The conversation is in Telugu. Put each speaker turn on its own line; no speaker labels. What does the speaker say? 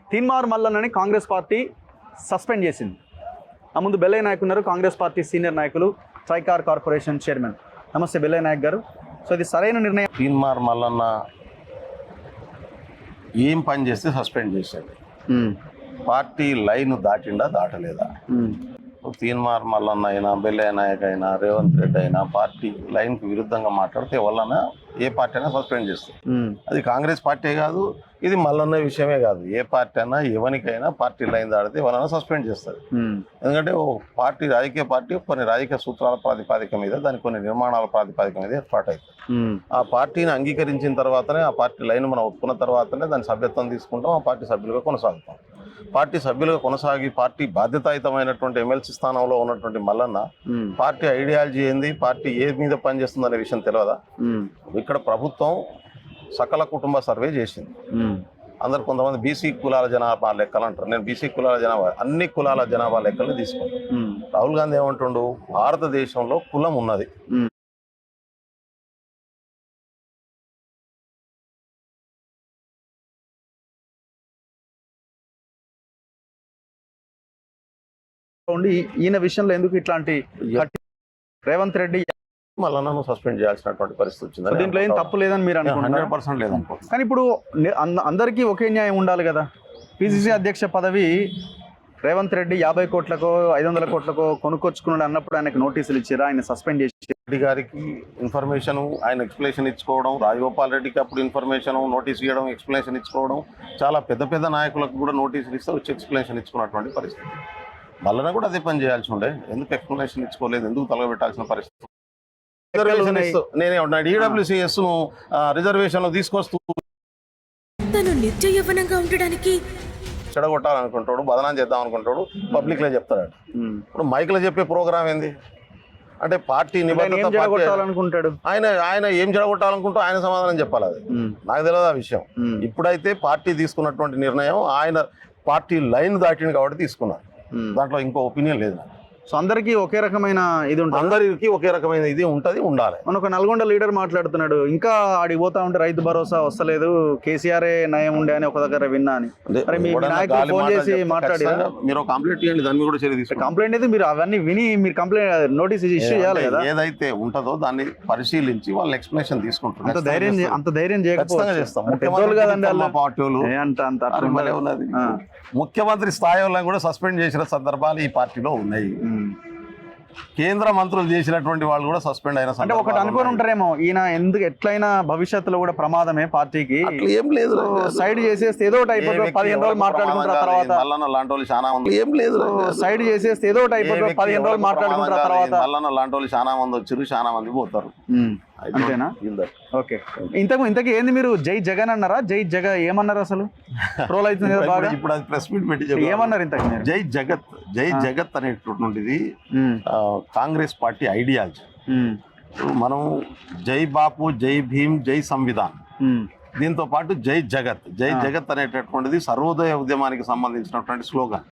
తీన్మార్ మల్లన్నని కాంగ్రెస్ పార్టీ సస్పెండ్ చేసింది. ఆ ముందు బెల్లయ్య నాయక్ ఉన్నారు, కాంగ్రెస్ పార్టీ సీనియర్ నాయకులు, ట్రైకార్ కార్పొరేషన్ చైర్మన్. నమస్తే బెల్లయ్య నాయక్ గారు. సో ఇది సరైన నిర్ణయం?
తీన్మార్ మల్లన్న ఏం పని చేస్తే సస్పెండ్ చేసేది? పార్టీ లైన్ దాటిండా దాటలేదా? తీన్మార్ మల్లన్న అయినా, బెల్లయ్య నాయక్ అయినా, రేవంత్ రెడ్డి అయినా పార్టీ లైన్కు విరుద్ధంగా మాట్లాడితే ఎవరన్నా ఏ పార్టీ అయినా సస్పెండ్ చేస్తుంది. అది కాంగ్రెస్ పార్టీ కాదు, ఇది మల్లన్న విషయమే కాదు. ఏ పార్టీ అయినా ఎవరికైనా పార్టీ లైన్ దాడితే ఎవరైనా సస్పెండ్ చేస్తుంది. ఎందుకంటే ఓ పార్టీ, రాజకీయ పార్టీ కొన్ని రాజకీయ సూత్రాల ప్రాతిపాదిక మీద, దాని కొన్ని నిర్మాణాల ప్రాతిపాదిక మీద ఏర్పాటవుతుంది. ఆ పార్టీని అంగీకరించిన తర్వాతనే, ఆ పార్టీ లైన్ మనం ఒప్పుకున్న తర్వాతనే దాని సభ్యత్వం తీసుకుంటాం, ఆ పార్టీ సభ్యులుగా కొనసాగుతాం. పార్టీ సభ్యులుగా కొనసాగి పార్టీ బాధ్యతాయుతమైనటువంటి ఎమ్మెల్సీ స్థానంలో ఉన్నటువంటి మల్లన్న పార్టీ ఐడియాలజీ ఏంది, పార్టీ ఏ మీద పనిచేస్తుందనే విషయం తెలియదా? ఇక్కడ ప్రభుత్వం సకల కుటుంబ సర్వే చేసింది. అందరు కొంతమంది బీసీ కులాల జనాభా లెక్కలు అంటారు. నేను బీసీ కులాల జనాభా, అన్ని కులాల జనాభా లెక్కలు తీసుకున్నాను. రాహుల్ గాంధీ ఏమంటుండు, భారతదేశంలో కులం ఉన్నది,
ఈయన విషయంలో ఎందుకు ఇట్లాంటి రేవంత్ రెడ్డి
మల్లన్నను సస్పెండ్ చేయాల్సినటువంటి పరిస్థితి వచ్చింది?
దీంట్లో ఏం తప్పు లేదని మీరు అనుకుంటున్నారు?
100% లేదనుకో.
కానీ ఇప్పుడు అందరికీ ఒకే న్యాయం ఉండాలి కదా. పిసిసి అధ్యక్ష పదవి రేవంత్ రెడ్డి 50 కోట్లకో 500 కోట్లకో కొనుక్కొచ్చుకున్నాడు అన్నప్పుడు ఆయనకు నోటీసులు ఇచ్చారు, ఆయన సస్పెండ్ చేసి
రెడ్డి గారికి ఇన్ఫర్మేషన్, ఆయన ఎక్స్ప్లెనేషన్ ఇచ్చుకోవడం, రాజగోపాల్ రెడ్డికి అప్పుడు ఇన్ఫర్మేషన్, నోటీస్ ఇవ్వడం, ఎక్స్ప్లెనేషన్ ఇచ్చుకోవడం, చాలా పెద్ద పెద్ద నాయకులకు కూడా నోటీసులు ఇస్తే వచ్చి ఎక్స్ప్లెనేషన్ ఇచ్చుకున్నటువంటి పరిస్థితి. మల్లన్న కూడా అదే పని చేయాల్సి ఉండే, ఎందుకు ఎక్స్ప్లెనేషన్ ఇచ్చుకోలేదు, ఎందుకు తలగబెట్టాల్సిన పరిస్థితి? నేనేమన్నా ఈడబ్ల్యూసీఎస్ ను రిజర్వేషన్ తీసుకొస్తూ
నిత్య యవ్వనంగా ఉండడానికి
చెడగొట్టాలనుకుంటాడు, బదనాం చేద్దాం అనుకుంటాడు, పబ్లిక్ లో చెప్తాడు. ఇప్పుడు మైక్ లో చెప్పే ప్రోగ్రామ్ ఏంది అంటే పార్టీ
నిబద్ధత.
ఆయన ఏం చెడగొట్టాలనుకుంటూ ఆయన సమాధానం చెప్పాలి. అది నాకు తెలియదు ఆ విషయం. ఇప్పుడైతే పార్టీ తీసుకున్నటువంటి నిర్ణయం, ఆయన పార్టీ లైన్ దాటింది కాబట్టి తీసుకున్నారు. దాంట్లో ఇంకో ఒపీనియన్ లేదు.
సో అందరికీ ఒకే రకమైన ఇది ఉంటుంది,
అందరికీ ఒకే రకమైన ఇది ఉంటుంది, ఉండాలి.
మన ఒక నల్గొండ లీడర్ మాట్లాడుతున్నాడు, ఇంకా ఆడికి పోతా ఉంటే రైతు భరోసా వస్తలేదు, కేసీఆర్ నయం ఉండే అని ఒక దగ్గర విన్నా అని. మరి మీ నాయకులు ఫోన్ చేసి మాట్లాడి
మీరు కంప్లైంట్ చేయండి, దాన్ని కూడా చర్య తీసుకోండి.
కంప్లైంట్ అయితే మీరు అవన్నీ విని మీరు కంప్లైంట్ నోటీస్ ఇష్యూ చేయాలి కదా.
ఏదైతే ఉంటుందో దాన్ని పరిశీలించి వాళ్ళ ఎక్స్ప్లెనేషన్ తీసుకుంటారు.
అంత ధైర్యం చేయకపోతే
చేస్తాం. ముఖ్యమంత్రి స్థాయిలో కూడా సస్పెండ్ చేసిన సందర్భాలు ఈ పార్టీలో ఉన్నాయి. కేంద్ర మంత్రులు చేసినటువంటి వాళ్ళు కూడా సస్పెండ్ అయిన
అంటే ఒకటి అనుకుని ఉంటారేమో, ఈయన ఎందుకు ఎట్లయినా భవిష్యత్తులో కూడా ప్రమాదమే పార్టీకి,
ఏం లేదు,
సైడ్ చేసేస్తే ఏదో ఒకటి అయిపోతుంది, 15 రోజులు మాట్లాడుకుంటారు తర్వాత
మల్లన్న లాంటి వాళ్ళు చాలా మంది, ఏం లేదు,
సైడ్ చేసేస్తే ఏదో ఒకటి అయిపోతుంది, 15 రోజులు మాట్లాడుకుంటారు తర్వాత
మల్లన్న లాంటి వాళ్ళు చాలా మంది వచ్చారు, చాలా మంది పోతారు.
అంతేనా? ఓకే. ఇంతకు ఏంది మీరు జై జగన్ అన్నారా, జై జగ ఏమన్నారు? అసలు ట్రోల్ అవుతుంది కదా బాగా.
ఇప్పుడు అది ప్రెస్ మీట్ పెట్టి
ఏమన్నారు ఇంతకు?
జై జగత్, జై జగత్ అనేటటువంటిది కాంగ్రెస్ పార్టీ ఐడియాలజీ. మనం జై బాపు, జై భీమ్, జై సంవిధాన్, దీంతో పాటు జై జగత్, జై జగత్ అనేటటువంటిది సర్వోదయ ఉద్యమానికి సంబంధించినటువంటి స్లోగన్.